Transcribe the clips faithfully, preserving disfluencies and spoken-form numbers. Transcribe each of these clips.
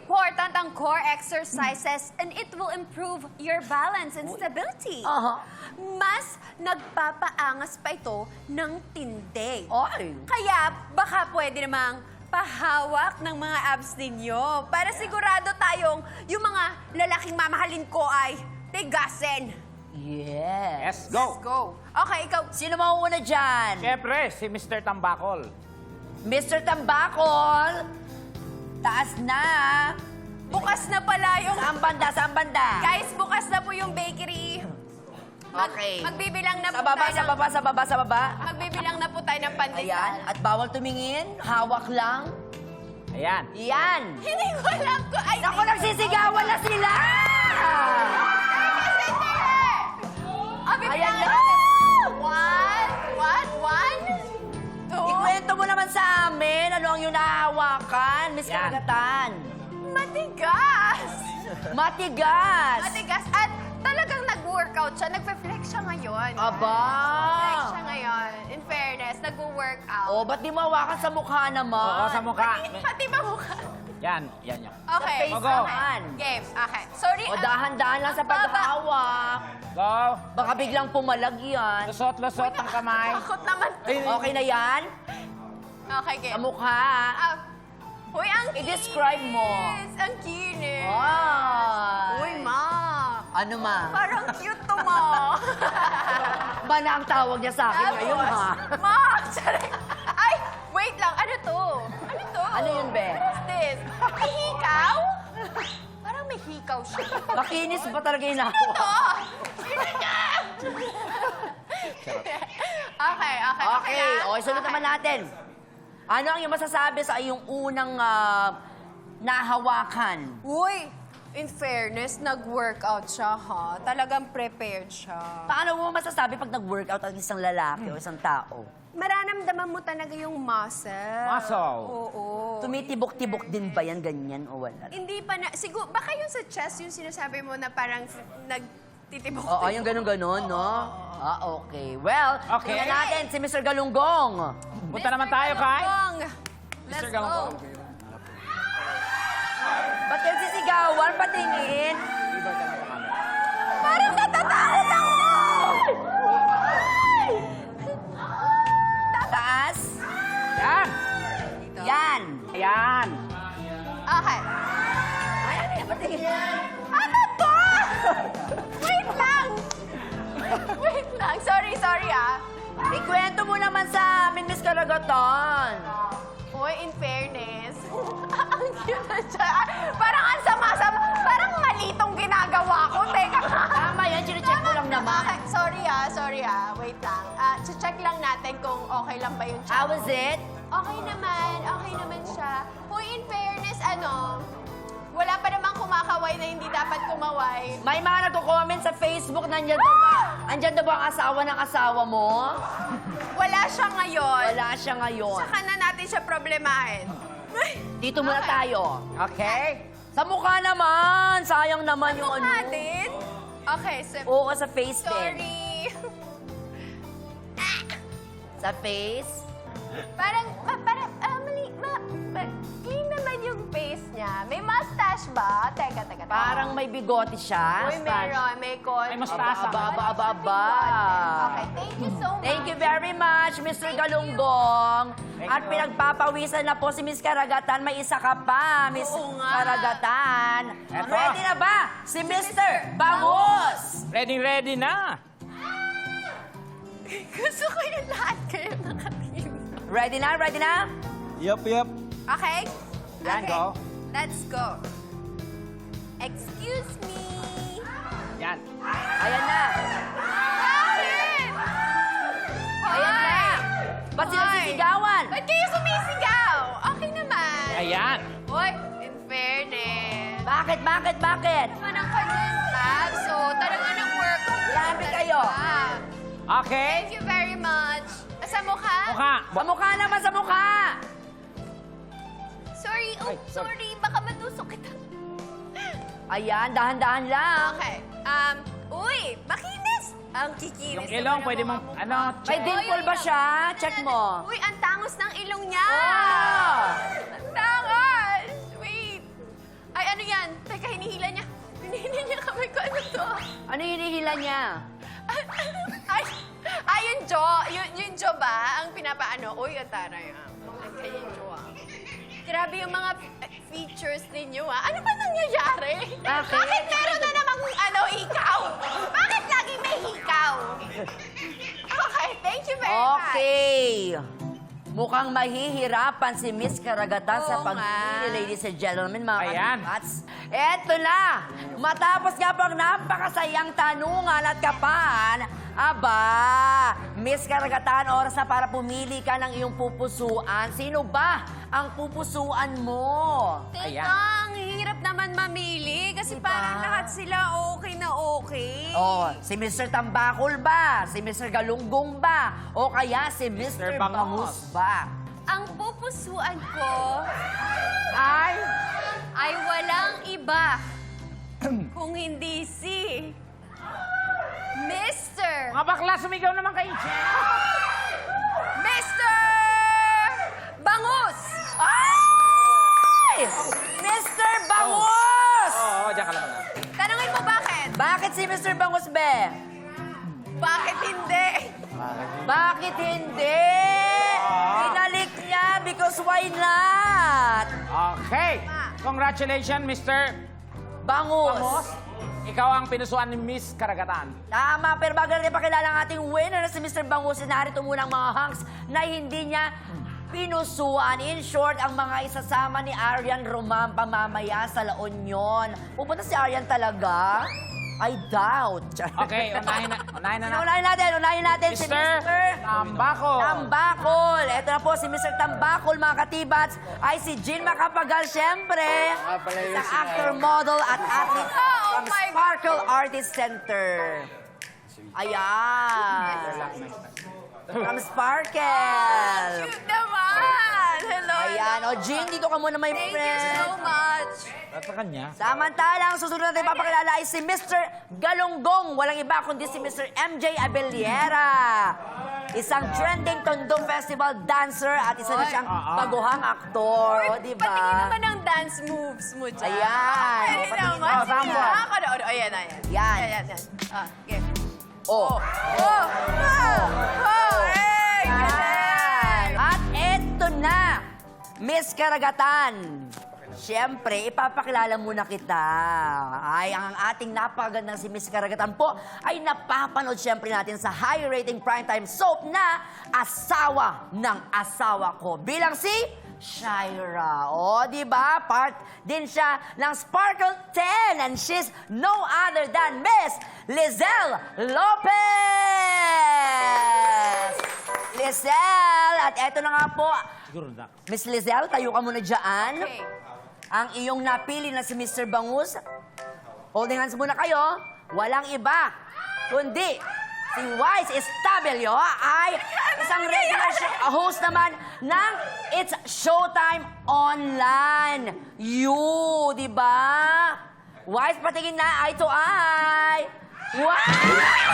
important ang core exercises and it will improve your balance and stability. Aha. Mas nagpapaangas pa ito ng tindi. Ay. Kaya baka pwede namang pahawak ng mga abs ninyo para sigurado tayong yung mga lalaking mamahalin ko ay tigasin. Yes. Yes, go. Let's go. Okay, ikaw. Sino mauuna dyan? Siyempre, si Mister Tambakol. Mister Tambakol. Taas na. Bukas na pala yung... Saan banda? Saan banda? Guys, bukas na po yung bakery. Mag- Okay. Magbibilang na Sa po baba, tayo sa ng- baba, sa baba, sa baba. Magbibilang na po tayo ng pandesal. Ayan. At bawal tumingin. Hawak lang. Ayan. Yan. Hindi ko alam ko. Ay, Naku, nagsisigawan na sila! Ah, bibilang Ayan na na. natin. One, one, one, two. Ikwento mo naman sa amin. Ano ang yung nahahawakan, Miss Yan. Karagatan? Matigas. Matigas. Matigas. At talagang nag-workout siya. Nagpe-flex siya ngayon. Aba. Flex siya ngayon. In fairness, nag-workout. Oh, ba't di mo hawakan sa mukha naman? Oo, sa mukha. Pati ba mukha? Yan, yan, yan. Okay. face Go. naman. Game. Okay. Sorry. O, ah, dahan-dahan lang sa paghawak. Go. Baka biglang pumalag yan. Lusot, lusot ang kamay. Takot naman. Okay na yan? Okay, game. Sa mukha. Ah, Uy, ang kinis. I-describe mo. Ang kinis. Ay. Uy, ma. Ano ma? Parang cute to, ma. Ba na ang tawag niya sa akin ngayon, ha? Ma, sorry. Ay, wait lang. Ano to? Ano to? Ano yun, be? What's this? May hikaw? Parang may hikaw siya. Makinis ba talaga yung Ito! nahawa? Sino niya? Okay, okay. Okay, na? okay, sunod naman natin. Ano ang iyong masasabi sa iyong unang ah, nahawakan? Uy, in fairness, nag-workout siya, ha? Talagang prepared siya. Paano mo masasabi pag nag-workout ang isang lalaki o isang tao? Mararamdaman mo talaga yung muscle. Muscle. Oo. Tumitibok-tibok din ba yan, ganyan o wala? Hindi pa na, siguro, baka yung sa chest, yung sinasabi mo na parang nagtitibok. Oo, yung ganun-ganon, no? Ah, okay. Well, Okay. tingnan natin si Mister Galunggong. Punta naman tayo kay... Let's Mister go. Galunggong. Ba't yung sisigawan? Patingin. Parang natatakot ako! Taas. Yan. Yan. Ayan. Okay. Ay, ano yan? Patingin. Ano to? Wait lang! Wait lang. Sorry, sorry ah. Ikwento mo naman sa amin, Miss Karagatan. Uy, in fairness, ang cute na siya. Parang ang sama-sama. Parang mali tong ginagawa ko. Teka nga. Tama yan, chinecheck ko lang naman. Okay, sorry ah, sorry ah. Wait lang. Ah, check lang natin kung okay lang ba yung How check. was it? Okay naman, okay naman siya. Uy, in fairness, ano, wala pa namang kumakaway na hindi dapat kumaway. May mga nagko-comment sa Facebook, nandyan daw ba? Andyan daw ba ang asawa ng asawa mo? Wala siya ngayon. Wala siya ngayon. Saka na natin siya problemahin. Dito muna Okay. tayo. Okay. Sa mukha naman. Sayang naman yung ano. Mukha din? Okay, so, Oo, sa face din. sorry. Sa face. Parang, ma, parang, ah, mali, ma, ma, clean naman yung face niya. May mustache ba? Teka, teka, teka. Parang may bigote siya. Uy, meron, may kon. May mustache. Aba, aba, aba, aba. Okay, thank you so much. Thank you very much, Mister Galunggong. Thank At you. pinagpapawisan na po si Miss Karagatan. May isa ka pa, Miss Oo nga. Karagatan. Eto. Ready na ba? Si Mister Bangus! Ready, ready na. Gusto ko yung lahat kayo nakatingin. Ready na? Ready na? Yup, yup. Okay? Yan, Okay. go. Let's go. Excuse me. Yan. Ayan na. Bakit? Ayan na. Ba't sila Hoy. sisigawan? Ba't kayo sumisigaw? Okay naman. Ayan. Hoy, in fairness. Bakit, bakit, bakit? Naman ang kanyang tab, so talaga nag-work. Grabe kayo. Okay. Thank you very much. Sa mukha? Mukha. Sa mukha naman, sa mukha! Sorry, oh, Ay, sorry. sorry. Baka matusok kita. Ayan, dahan-dahan lang. Okay. Um, uy, makinis. Ang kikinis. Yung ilong, naman pwede ang mong, mga ano, mukha. May check. dimple ba siya? Check mo. Uy, ang tangos ng ilong niya. Oh! Ang tangos. Wait. Ay, Ano yung hinihila niya? Ay, ay, yung Jo. Yung, yung Jo ba? Ang pinapaano? Uy, ataray ah. Ang kaya yung Jo ah. Grabe yung mga f- features ninyo ah. Ano ba nangyayari? Bakit? Bakit meron na namang ano, hikaw? Bakit laging may hikaw? Okay, thank you very much. Okay. Mukhang mahihirapan si Miss Karagatan sa Oo pagpili, nga. ladies and gentlemen, mga Ayan. katibats. Eto na! Matapos nga po ang napakasayang tanungan at kapan, aba, Miss Karagatan, oras na para pumili ka ng iyong pupusuan. Sino ba ang pupusuan mo? Teka, Ayan. ang hirap naman mamili kasi Diba? parang lahat sila okay na okay. Oh, si Mister Tambakol ba? Si Mister Galunggong ba? O kaya si Mister Mister Bangus. Bangus ba? Ang pupusuan ko Ay! ay walang iba kung hindi si Mister Mga bakla, sumigaw naman kayo. Mister Bangus! Ay! Mister Bangus! Oo, oh, diyan ka naman. Tanungin mo bakit? Bakit si Mister Bangus, be? Bakit hindi? Bakit hindi? Pinalik niya because why not? Okay. Congratulations, Mister Bangus. Bangus. Ikaw ang pinusuan ni Miss Karagatan. Tama, pero bago natin pakilala ang ating winner na si Mister Bangus, narito muna ang mga hunks na hindi niya pinusuan. In short, ang mga isasama ni Arian Romampa mamaya sa La Union. Pupunta si Arian talaga? I doubt. Okay, unahin na, unahin na natin. Unahin natin, unahin natin si Mister Mister Tambakol. Tambakol. Ito na po si Mister Tambakol, mga katibats, ay si Jean Macapagal, syempre. Isang actor, model, at athlete Oh from my Sparkle Artist Center. Ayan. From Sparkle. Cute naman! Hello! Ayan. O, Jean, dito ka muna, my Thank you friend. so much! At sa kanya. Samantalang, susunod natin papakilala ay si Mister Galunggong. Walang iba kundi si Mister M J Abellera. Isang trending Tondo Festival dancer at isa na Oy. siyang Ah, ah. baguhang aktor. O, di ba? Patingin naman ang dance moves mo dyan. Ayan. Pwede O, patingin naman. mo. Sige, Sample. nakakanood. O, ayan, ayan. Yan. Ayan, ayan. Ah, okay. Oh. Oh! Oh! Oh! Hey! Galing! At eto na, Miss Karagatan. Siyempre, ipapakilala muna kita. Ay, ang ating napakagandang si Miss Karagatan po ay napapanood siyempre natin sa high-rating primetime soap na Asawa ng Asawa Ko. Bilang si Shaira. O, di ba? Part din siya ng Sparkle ten and she's no other than Miss Lizelle Lopez! Lizelle! At eto na nga po, Siguro na. Miss Lizelle, tayo ka muna dyan. Okay. Ang iyong napili na si Mister Bangus, holding hands muna kayo, walang iba, kundi si Wise Estabelio ay isang regular show- host naman ng It's Showtime Online. You, di ba? Wise, patingin na eye to eye. Wow!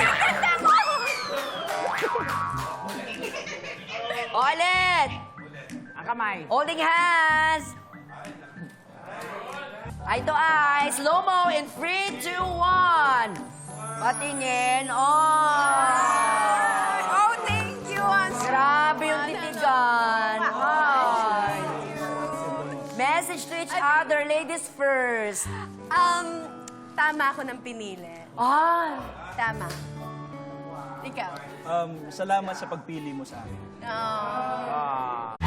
Ulit! Ang kamay. Holding hands. Eye to eye. Slow-mo in three, two, one. Patingin. Oh! Oh, thank you. Ang Grabe yung titigan. Ay. Message to each other. Ladies first. Um, tama ako ng pinili. Ay. Tama. Ikaw. Um, salamat sa pagpili mo sa akin. Oh. Ah.